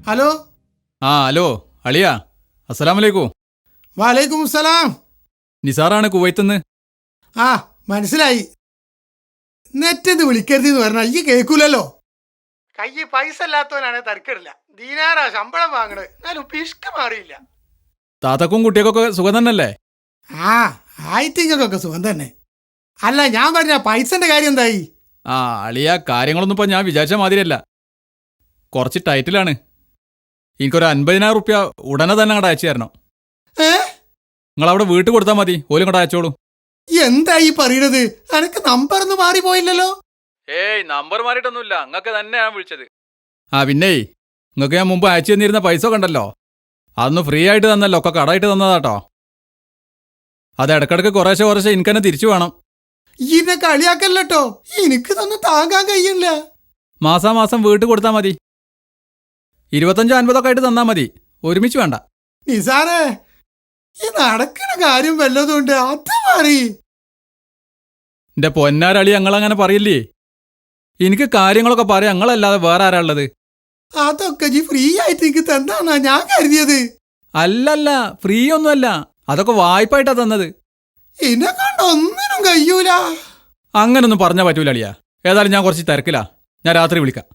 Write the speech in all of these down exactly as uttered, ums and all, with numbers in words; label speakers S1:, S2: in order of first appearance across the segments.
S1: Hello.
S2: ആ hello അളിയ, അസ്സലാമലൈക്കും.
S1: വാലൈക്കും സലാം.
S2: നിസാറാണ് കുവൈത്തുനിന്ന്.
S1: ആ മനസ്സിലായി. നെറ്റെന്ന് വിളിക്കരുതെന്ന് പറഞ്ഞാൽ ഈ കേൾക്കൂലല്ലോ. കയ്യിൽ പൈസ ഇല്ലാത്തവനാണ് തരക്കിടില്ല. ദീനാറാ ശമ്പളം വാങ്ങണത്, എന്നാലും പിഷ്ക മാറിയില്ല.
S2: താത്തക്കും കുട്ടിയൊക്കെ സുഖം തന്നെയല്ലേ?
S1: ആ ആയിട്ടിങ്ങൾക്കൊക്കെ സുഖം തന്നെ. അല്ല ഞാൻ പറഞ്ഞ പൈസന്റെ കാര്യം എന്തായി?
S2: ആ അളിയ, കാര്യങ്ങളൊന്നും ഇപ്പം ഞാൻ വിചാരിച്ച മാതിരിയല്ല. കുറച്ച് ടൈറ്റിലാണ്. എനിക്കൊരു അൻപതിനായിരം റുപ്യ ഉടനെ തന്നെ അങ്ങോട്ട് അയച്ചു തരണം.
S1: ഏ
S2: നിങ്ങളവിടെ വീട്ടിൽ കൊടുത്താൽ മതി, ഓലും ഇങ്ങോട്ട് അയച്ചോളൂ.
S1: എന്തായി പറയണത്? എനക്ക് നമ്പർ ഒന്നും മാറിപ്പോയില്ലല്ലോ.
S2: ഏയ് നമ്പർ മാറിയിട്ടൊന്നുമില്ല, നിങ്ങൾക്ക് തന്നെ ഞാൻ വിളിച്ചത്. ആ പിന്നെ നിങ്ങൾക്ക് ഞാൻ മുമ്പ് അയച്ചു തന്നിരുന്ന പൈസ കണ്ടല്ലോ, അതൊന്ന് ഫ്രീ ആയിട്ട് തന്നല്ലോ, ഒക്കെ കടമായിട്ട് തന്നതാട്ടോ. അത് ഇടക്കിടക്ക് കുറേശ്ശെ കുറേശ്ശെ എനിക്ക് തന്നെ തിരിച്ചു വേണം.
S1: ഇതിനെ കളിയാക്കല്ലോ, എനിക്ക് തന്നെ താങ്ങാൻ കഴിയില്ല.
S2: മാസാമാസം വീട്ടിൽ കൊടുത്താൽ മതി. ഇരുപത്തഞ്ചോ അൻപതൊക്കെ ആയിട്ട് തന്നാൽ മതി, ഒരുമിച്ച് വേണ്ട.
S1: നിസാറേ, ഈ നടക്കുന്ന കാര്യം വല്ലതുകൊണ്ട് അത് മാറി.
S2: എന്റെ പൊന്നാരളി, ഞങ്ങളങ്ങനെ പറയില്ലേ. എനിക്ക് കാര്യങ്ങളൊക്കെ പറയാം, ഞങ്ങളല്ലാതെ വേറെ ആരാ ഉള്ളത്?
S1: അതൊക്കെ ജി ഫ്രീ ആയിട്ട് എനിക്ക് തന്നാ ഞാൻ കരുതിയത്.
S2: അല്ലല്ല, ഫ്രീ ഒന്നുമല്ല, അതൊക്കെ വായ്പായിട്ടാ തന്നത്.
S1: എന്നെ കണ്ട ഒന്നിനും കഴിയൂല.
S2: അങ്ങനൊന്നും പറഞ്ഞാൽ പറ്റൂല അളിയാ. ഏതായാലും ഞാൻ കുറച്ച് തിരക്കിലാ, ഞാൻ രാത്രി വിളിക്കാം.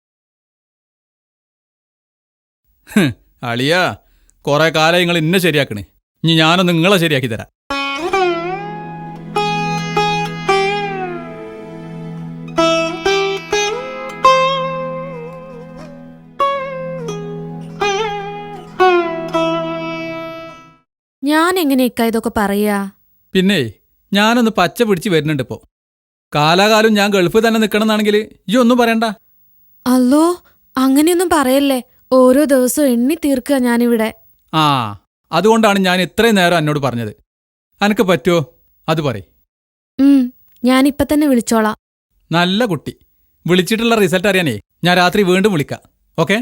S2: അളിയാ, കുറെ കാലം നിങ്ങൾ ഇന്നെ ശരിയാക്കണേ, ഇനി ഞാനൊന്ന് നിങ്ങളെ ശരിയാക്കി തരാം.
S3: ഞാൻ എങ്ങനെയൊക്കെ ഇതൊക്കെ പറയാ?
S2: പിന്നെ ഞാനൊന്ന് പച്ച പിടിച്ച് വരുന്നുണ്ട് ഇപ്പോ. കാലാകാലം ഞാൻ ഗൾഫിൽ തന്നെ നിൽക്കണമെന്നാണെങ്കിൽ ഈ ഒന്നും പറയണ്ട.
S3: അല്ലോ, അങ്ങനെയൊന്നും പറയല്ലേ. ഓരോ ദിവസവും എണ്ണി തീർക്കുക ഞാനിവിടെ.
S2: ആ അതുകൊണ്ടാണ് ഞാൻ ഇത്രയും നേരം എന്നോട് പറഞ്ഞത്. അനക്ക് പറ്റുമോ അത് പറയ്.
S3: ഉം ഞാനിപ്പ തന്നെ വിളിച്ചോളാം.
S2: നല്ല കുട്ടി. വിളിച്ചിട്ടുള്ള റിസൾട്ട് അറിയാനേ ഞാൻ രാത്രി വീണ്ടും വിളിക്കാം. ഓക്കെ?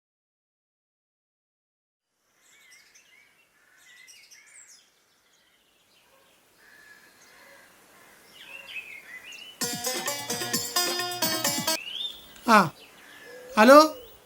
S1: ആ ഹലോ,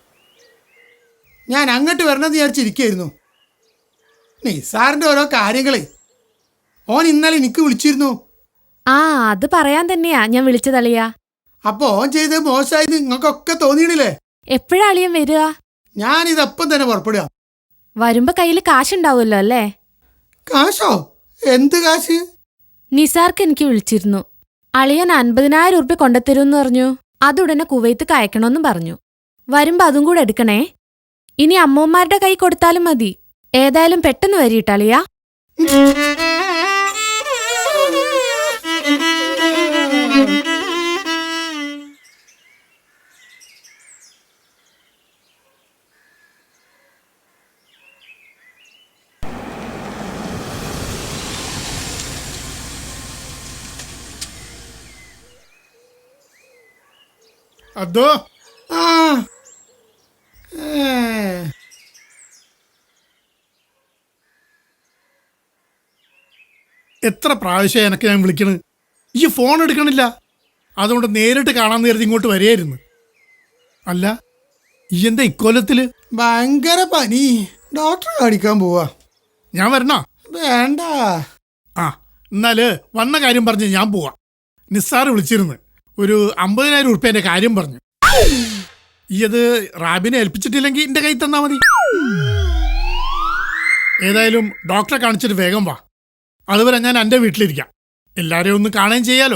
S1: ഞാൻ അങ്ങോട്ട് വരണമെന്ന് വിചാരിച്ചിരിക്കുകയായിരുന്നു. നിസാറിൻ്റെ ഓരോ കാര്യങ്ങളെ ഓൻ ഇന്നലെ എനിക്ക് വിളിച്ചിരുന്നു.
S3: ആ അത് പറയാൻ തന്നെയാ ഞാൻ വിളിച്ചതളിയാ.
S1: അപ്പോൾ ഓൻ ചെയ്ത് മോശമായത് നിങ്ങൾക്കൊക്കെ തോന്നിയിടില്ലേ?
S3: എപ്പോഴാ അളിയൻ വരിക?
S1: ഞാനിതപ്പം തന്നെ പുറപ്പെടുക.
S3: വരുമ്പോ കയ്യിൽ കാശുണ്ടാവുമല്ലോ അല്ലേ?
S1: കാശോ? എന്ത് കാശ്?
S3: നിസാർക്ക് എനിക്ക് വിളിച്ചിരുന്നു. അളിയൻ അൻപതിനായിരം ഉറുപ്പ്യ കൊണ്ടുത്തരുമെന്ന് പറഞ്ഞു. അതുടനെ കുവൈത്ത് അയക്കണമെന്നും പറഞ്ഞു. വരുമ്പോ അതും കൂടെ എടുക്കണേ. ഇനി അമ്മൂമ്മമാരുടെ കൈ കൊടുത്താലും മതി. ഏതായാലും പെട്ടെന്ന് വരിയിട്ടളിയാ.
S1: അതോ ആ
S4: എത്ര പ്രാവശ്യം എനക്ക് ഞാൻ വിളിക്കണ്, ഈ ഫോൺ എടുക്കണില്ല. അതുകൊണ്ട് നേരിട്ട് കാണാൻ നേരത്തെ ഇങ്ങോട്ട് വരികയായിരുന്നു. അല്ല ഈ എന്താ ഇക്കൊല്ലത്തില്?
S1: ഭയങ്കര പനി, ഡോക്ടറെ കാണിക്കാൻ പോവാ.
S4: ഞാൻ വരണോ?
S1: വേണ്ട.
S4: ആ എന്നാല് വന്ന കാര്യം പറഞ്ഞ് ഞാൻ പോവാ. നിസ്സാറ് വിളിച്ചിരുന്നു, ഒരു അമ്പതിനായിരം ഉറുപ്പ്യൻ്റെ കാര്യം പറഞ്ഞു. ഈ അത് റാബിനെ ഏൽപ്പിച്ചിട്ടില്ലെങ്കിൽ എൻ്റെ കയ്യിൽ തന്നാ മതി. ഏതായാലും ഡോക്ടറെ കാണിച്ചിട്ട് വേഗം വാ. അതുവരെ ഞാൻ എൻ്റെ വീട്ടിലിരിക്കാം. എല്ലാവരെയും ഒന്ന് കാണുകയും ചെയ്യാലോ.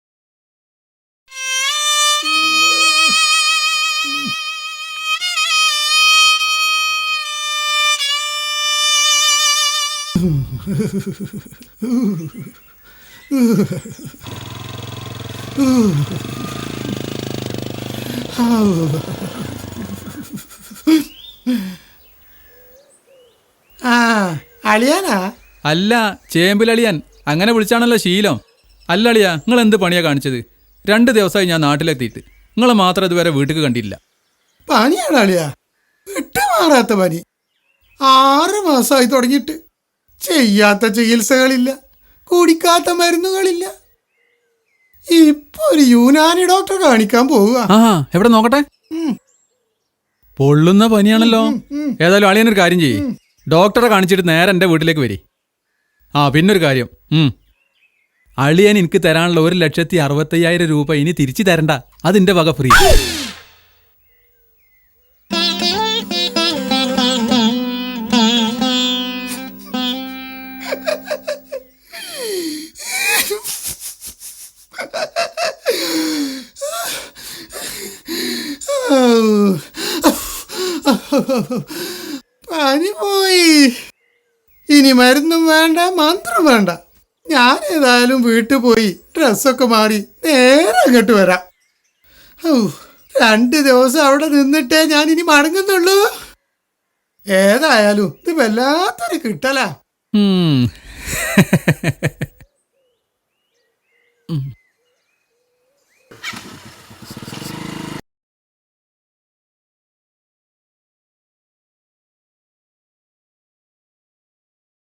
S1: ആ അളിയാനാ?
S2: അല്ല, ചേമ്പിലളിയാൻ. അങ്ങനെ വിളിച്ചാണല്ലോ ശീലം. അല്ല അളിയാ, നിങ്ങൾ എന്ത് പണിയാ കാണിച്ചത്? രണ്ട് ദിവസമായി ഞാൻ നാട്ടിലെത്തിയിട്ട്, നിങ്ങൾ മാത്രം ഇതുവരെ വീട്ടിൽ കണ്ടില്ല.
S1: പനിയാണ് അളിയാ, വിട്ടുമാറാത്ത പനി. ആറ് മാസമായി തുടങ്ങിയിട്ട്. ചെയ്യാത്ത ചികിത്സകളില്ല, കുടിക്കാത്ത മരുന്നുകളില്ല. ഇപ്പൊ ഒരു യുനാനി ഡോക്ടറെ കാണിക്കാൻ പോവുക.
S2: ആ എവിടെ നോക്കട്ടെ. പൊള്ളുന്ന പനിയാണല്ലോ. ഏതായാലും അളിയനൊരു കാര്യം ചെയ്യ്, ഡോക്ടറെ കാണിച്ചിട്ട് നേരെ എൻ്റെ വീട്ടിലേക്ക് വരി. ആ പിന്നൊരു കാര്യം, ഉം. അളിയൻ എനിക്ക് തരാനുള്ള ഒരു ലക്ഷത്തി അറുപത്തയ്യായിരം രൂപ ഇനി തിരിച്ചു തരണ്ട, അതിൻ്റെ വക ഫ്രീ.
S1: പനി പോയി. ഇനി മരുന്നും വേണ്ട, മന്ത്രം വേണ്ട. ഞാൻ ഏതായാലും വീട്ടിൽ പോയി ഡ്രസ്സൊക്കെ മാറി നേരെ അങ്ങോട്ട് വരാം. ഔ, രണ്ട് ദിവസം അവിടെ നിന്നിട്ടേ ഞാൻ ഇനി മടങ്ങുന്നുള്ളൂ. ഏതായാലും ഇത് വല്ലാത്തൊരു കിട്ടലാ.
S2: ഉം. ഉം.